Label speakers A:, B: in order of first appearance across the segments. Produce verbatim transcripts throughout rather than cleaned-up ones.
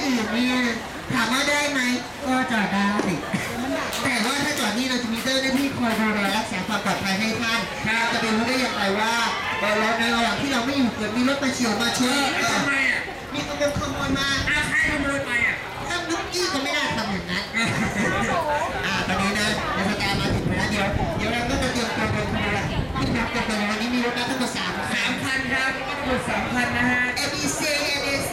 A: อื่นเนี่ยถามว่าได้ไหมก็จอดได้แต่ว่าถ้าจอดนี่เราจะมีเจ้าหน้าที่คอยดูแลรักษาความปลอดภัยให้ท่านจะไปรู้ได้อย่างไรว่าเราในระหว่างที่เราไม่อยู่เกิดมีรถมาเฉียวมาชนทำไมอ่ะมีขโมยขโมยมาอาใครขโมยไปอ่ะถ้านุ๊กกี้ก็ไม่น่าทำอย่างนั้นอ่าตอนนี้นะเดี๋ยวสตาร์มาถึงแล้วเดี๋ยวเดี๋ยวเราก็จะเตรียมตัวเดินขบวนที่นับกันไปวันนี้มีรถมาทั้งหมดสามสามคันครับทั้งหมดสามคันนะฮะ เอ บี ซี เอ บี ซี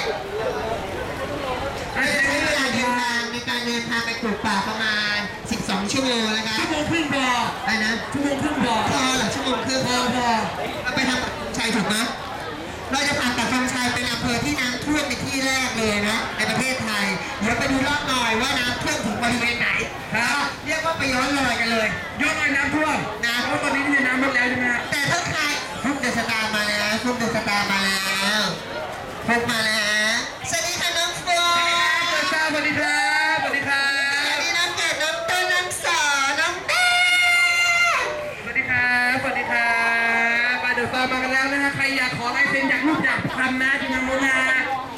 A: เราจะใช้เวลาเดินทางในการเดินทางไปปลูกป่าประมาณสิบสองชั่วโมงนะคะชั่วโมงครึ่งพออะไรนะชั่วโมงครึ่งพอพอเหรอชั่วโมงครึ่งพอพอเราไปทางปักชัยถูกไหมเราจะผ่านปักชัยเป็นอำเภอที่น้ำท่วมในที่แรกเลยนะในประเทศไทยเดี๋ยวไปดูรอบหน่อยว่าน้ำท่วมถึงบริเวณไหนครับเรียกว่าไปย้อนรอยกันเลยย้อนรอยน้ำท่วมนะเพราะตอนนี้มีน้ำลดแล้วใช่ไหมแต่ถ้าใครฟุกเดอะสตาร์มาแล้วฟุกเดอะสตาร์มาแล้วฟุกมาแล้วสวัสดีค่ะน้องฟุกสวัสดีครับสวัสดีครับสวัสดีน้องเกดน้องต้นน้องสอน้องแม่สวัสดีครับสวัสดีครับมาเดอะสตาร์มากันแล้วนะฮะใครอยากขอลายเซ็นอยากรูปอยากทำนะที่ทางโน้นนะ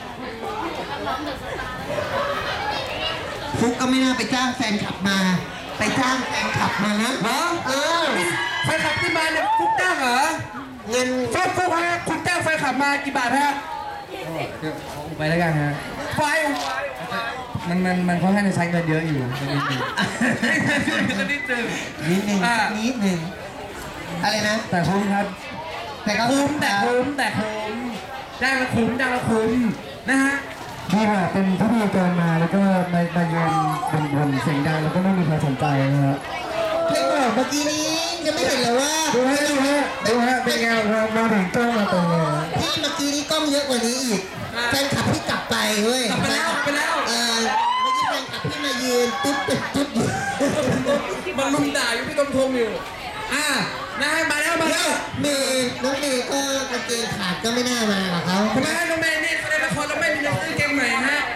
A: ฟุกก็ไม่น่าไปจ้างแฟนขับมาไปจ้างแฟนขับมานะเออแฟนขับที่มาเนี่ยฟุกจ้างเหรอเงินฟุกฟุกฮะคุณจ้างแฟนขับมากี่บาทฮะ
B: ไปแล้วกันฮะ
A: ไฟ
B: มันมันมันค่อนข้างจะใช้เงินเยอะอยู่นิดนึง
A: นิดนึงนิดนึงนิดนึงอะไรนะ
B: แต่คุ้มครับ
A: แต่ก็
B: คุ้มแต่คุ้มแต่คุ้มจ้างละคุ้มจ้างละคุ้มนะฮะ
C: ที่ว่าเป็นพิธีกรมาแล้วก็มามายืนบนบนเสียงดังแล้วก็ไม่มีใครสนใจนะฮะ
A: เพลงบอกเมื่อกี้นี้จะไม่เห็นเลยว่า
C: ดูฮะดูฮะดูฮะเป็นไงครับมาถึงกล้องมาตรงนี้
A: พี่เมื่อกี้นี้กล้องเยอะกว่านี้อีกแฟนขับพี่กลับไปเว้ย
B: กลับไปแล้วไปแล้ว
A: เออเมื่อกี้แฟนขับพี่มายืนตุ๊บตุ๊บตุ๊บ
B: มันลุมด่าอยู่พี่กำทงอยู่อ่านะมาแล้วมาแล้ว
A: เมย์น้องเมย์ก็กางเกงขาดก็ไม่น่ามาหรอกเขา
B: ทำไมน้องเมย์นี่แสดงละครแล้วไม่มีเสื้อเกงใหม่ฮะ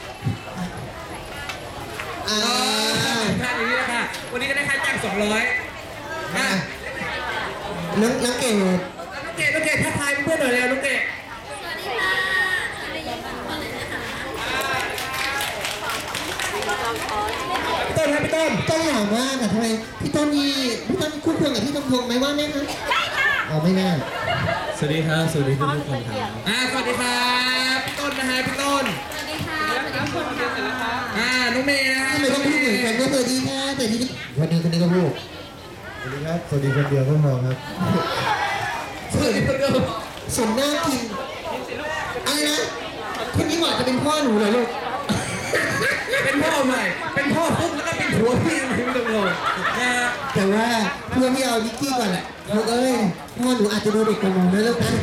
A: อ่า
B: ท่าอย่างนี้แหละค่ะวันนี้ก็ได้ค่าจ้างสองร้อยอ่ะ
A: น้องน้องเก่ง
B: น้องเกดน้องเกดทักทายเพื่อนหน่อยเลยน้องเกด
D: สวัสดีค่ะจะได้ยินก่อนเลยนะคะ
B: พี่ต้นครับพี่ต้น
A: ต้นหล่อมากอะทำไมพี่ต้นนี่พี่ต้นคุ้นเคยกับพี่ต้นพงไหมว่าไหมคะ
D: ใช่ค่ะ
A: อ๋อไม่น่า
C: สวัสดีครับสวัสดีทุกคนครับ
B: อ่าสวัสดีครับพี่ต้นนะฮะพี่ต้น
D: สวัสดีค่ะสวัสดีทุกคนค่ะ
B: อ่าน้องเมย์นะฮะ
A: ทำไมต้องพูดเหมือนกันก็สวัสดีค่ะแต่ทีนี้วันนี้คนนี้ก็พูด
C: สวัสดีครับสวัสดีคนเดียวก็พอครับ
B: สวัสดีคนเดียว
A: สมหน้ากินอะไรนะคนนี้เหมาะจะเป็นพ่อหนูเหรอลูก
B: เป็นพ่อใหม่เป็นพ่อปุ๊บแล้วก็เป็นผัวพี่พี่ตรงลงนะ
A: แต่ว่าเพื่อนพี่เอานิกกี้ก่อนแหละลูกเอ้ยพ่อหนูอาจจะดูเด็กกว่าหนูนะลูกนะ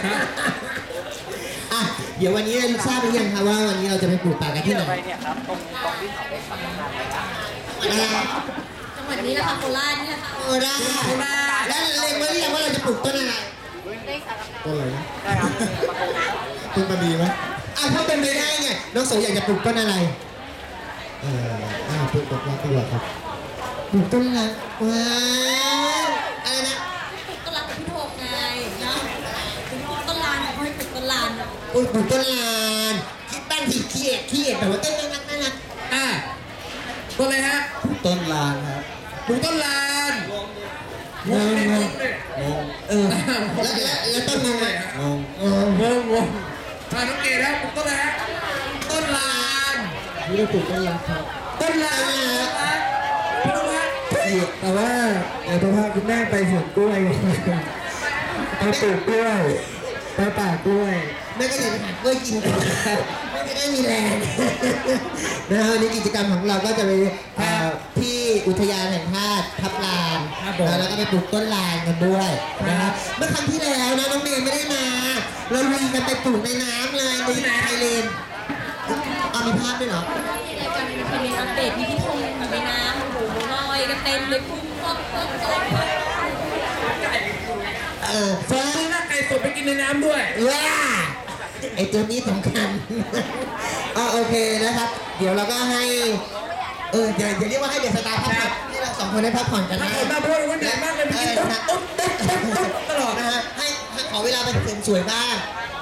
A: อ่ะเดี๋ยววันนี้ลูกทราบหรือยังคะว่าวันนี้เราจะไปปลูกป่ากันที่ไหน
D: เนี่ยครับตรงตรงที่เขาไปสัมมนาอะไรจังหวัดนี้นะคะโคราชนี่นะคะ
A: โคราชโคราชแล้วเล็งไว้หรือยังว่าเราจะปลูกต้นอะไร
C: ต้นอะไรนะต้นมะดีไหม
A: อ่ะถ้าเป็นไปได้เนี่ยน้องโสอยากจะปลูกต้นอะไร
C: เอ่ออ่าปลูกต้นรักดีกว่าครับ
A: ปลูกต้นรักว้าวอะไรนะ
D: ปลูกต้นรักกับพี่โทงไงเนาะต้นลานเขาให้ปลูกต้นลาน
A: ปลูกต้นลานคิดบ้านผิดขี้เอ็ดขี้เอ็ดแต่ว่าต้นน่ารักน่ารัก
B: อ่าต้นอะไรฮะ
C: ต้นลานครับ
B: ปลูกต้นลาน
A: งงงงเออแล้วแล้วต้นงงไง
C: งง
B: งงงงอ่าน้องเกดครับปลูกต้นอะไรฮะต้นลาน
C: นี่เราปลูกต้นลานครับ
B: ต้นลานพี่ดูฮะ
C: แต่ว่าเดี๋ยวจะพาคุณแม่ไปสวนกล้วยไปปลูกกล้วยไปป่ากล้วย
A: แม่ก็จะไปหากล้วยกินกันไม่จะได้มีแรงนะฮะวันนี้กิจกรรมของเราก็จะไปที่อุทยานแห่งชาติทับลานแล้วก็ไปปลูกต้นลานกันด้วยนะครับเมื่อครั้งที่แล้วนะน้องเมย์ไม่ได้มาเราลุยกันไปปลูกในน้ำเลยในไทยเลนเอามีภาพด้วยเหรอ
D: รายการเป็นทีมอัปเดตมีพี่ทงอยู่ในน้ำโอ้โหลอยกันเต็มเลยพุ่งพุ่งพุ่ง
A: เออ
B: ฟ้าหน้าไก่สดไปกินในน้ำด้วย
A: ว้าไอตัวนี้สำคัญอ๋อโอเคนะครับเดี๋ยวเราก็ให้เออเดี๋ยวเรียกว่าให้เด็กสตาร์พักผ่อนให้เราสองคนได้พักผ่อนกันนะ
B: มาเพราะว่าเหนื่อยมากเลยพี่ตุ๊บตุ๊บตุ๊บตุ๊บตลอด
A: นะฮะให้ขอเวลาไปเสริมสวยบ้าง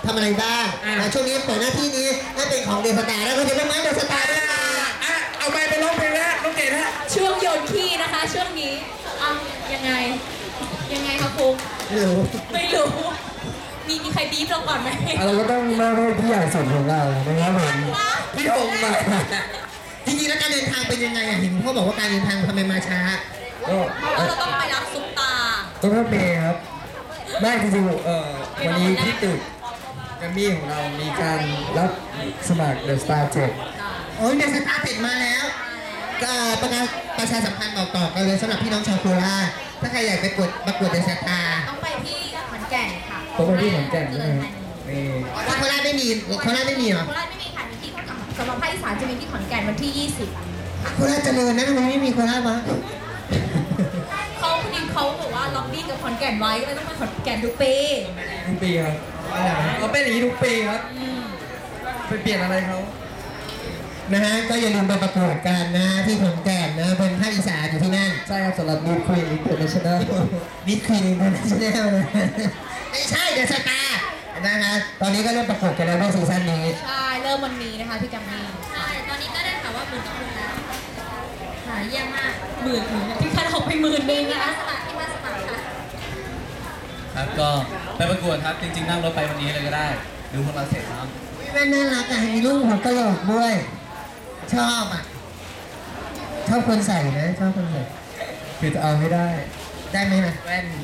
A: ทำอะไรบ้างนะช่วงนี้เปิดหน้าที่นี้ให้เป็นของเดอะสตาร์แล้วก็จะต้องมาเดอะสตาร์ด้วยค่ะ
B: อ่ะเอาไปไปร้องเพลงแล้วน้องเกดฮะ
D: ช่วงโยนขี้นะคะ ช่วงนี้อ่ะยังไง ยังไงคะครู
A: ไม่รู้
D: ไม่รู้ มีมีใครบีบเราก่อนไหม
C: เราก็ต้องมาให้พี่ใหญ่สุดของเรานะครับผม
A: พี่หงมา จริงๆแล้วการเดินทางเป็นยังไงอ่ะเห็นพ่อบอกว่าการเดินทางทำไมมาช้า
C: ก็
D: เพราะว่าเราต้องไปรับซุปตา
C: ต้องรถเมย์ครับไม่จริงๆเอ่อวันนี้ที่ตึกแกรมมี่ของเรามีการรับสมัคร The Star เจ็ด
A: โอ้ยเดอะสตาร์ติดมาแล้วก็ประกาศประชาสัมพันธ์บอกต่อกันเลยสำหรับพี่น้องชาวโคราชถ้าใครอยากไปกดประกวดเดอะสตาร์
D: ต้องไปที่ขอนแก่นค่ะ
C: ผมไปที่ขอนแก่นใช่ไหมครับนี่
A: โคราชไม่มีโคราชไม่มีเหรอ
D: โคราชไม่มีค่ะมีที่สำหรับภาคอีสานจะมีที่ขอนแก่นวันที่ ยี่สิบ
A: โคราชเจริญนะทำไมไม่มีโคราชวะ
D: เขาพอดีเขาบอกว่าล็อบบี้กับขอนแก่นไว้ก็เลยต้องไปขอนแก่นทุกปี
C: ทุกปีครับเราเป็นอย่างนี้ทุกปีครับไปเปลี่ยนอะไรเขา
A: นะฮะก็อย่าลืมไปประกวดกันนะที่ขอนแก่นนะเป็นภาคอีสานอยู่ที่นั่น
C: ใช่ครับสำหรับมิสควีนอินเตอร์เนชั่นแนล
A: มิดควีนอินเตอร์เนชั่นแนลนะไม่ใช่เดอะสตาร์นะฮะตอนนี้ก็เริ่มประกวดกันแล้วในซีซั่นนี้
D: ใช่เริ่มวันนี้นะคะพี่กัมมี่ใช่ตอนนี้ก็ได้ข่าวว่าหมื่นต่อคนแล้วหาเยี่ยมมากหมื่นหมื่นพี่คันออกไปหมื่นนึงนะคะสมัครที่มาสมัครค่ะ
E: ครับก็ไปประกวดครับจริงๆนั่งรถไปวันนี้เลยก็ได้ ดูพวกเราเสร็จครับ
A: แม่น่ารักอ่ะมีลูกหัวกะโหลกด้วย ชอบอ่ะ ชอบคนใส่นะ ชอบคนใส่
C: คือจะเอาไม่ได้
A: ได้ไหมนะ
C: แว่น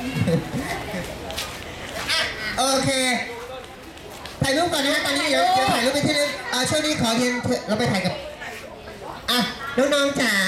A: อ่ะโอเค ถ่ายรูปก่อนนะฮะตอนนี้เดี๋ยวเดี๋ยวถ่ายรูปไปที่นึงอ่าช่วงนี้ขอเรียนเถอะเราไปถ่ายกับ อ่ะ น้องๆจ๋า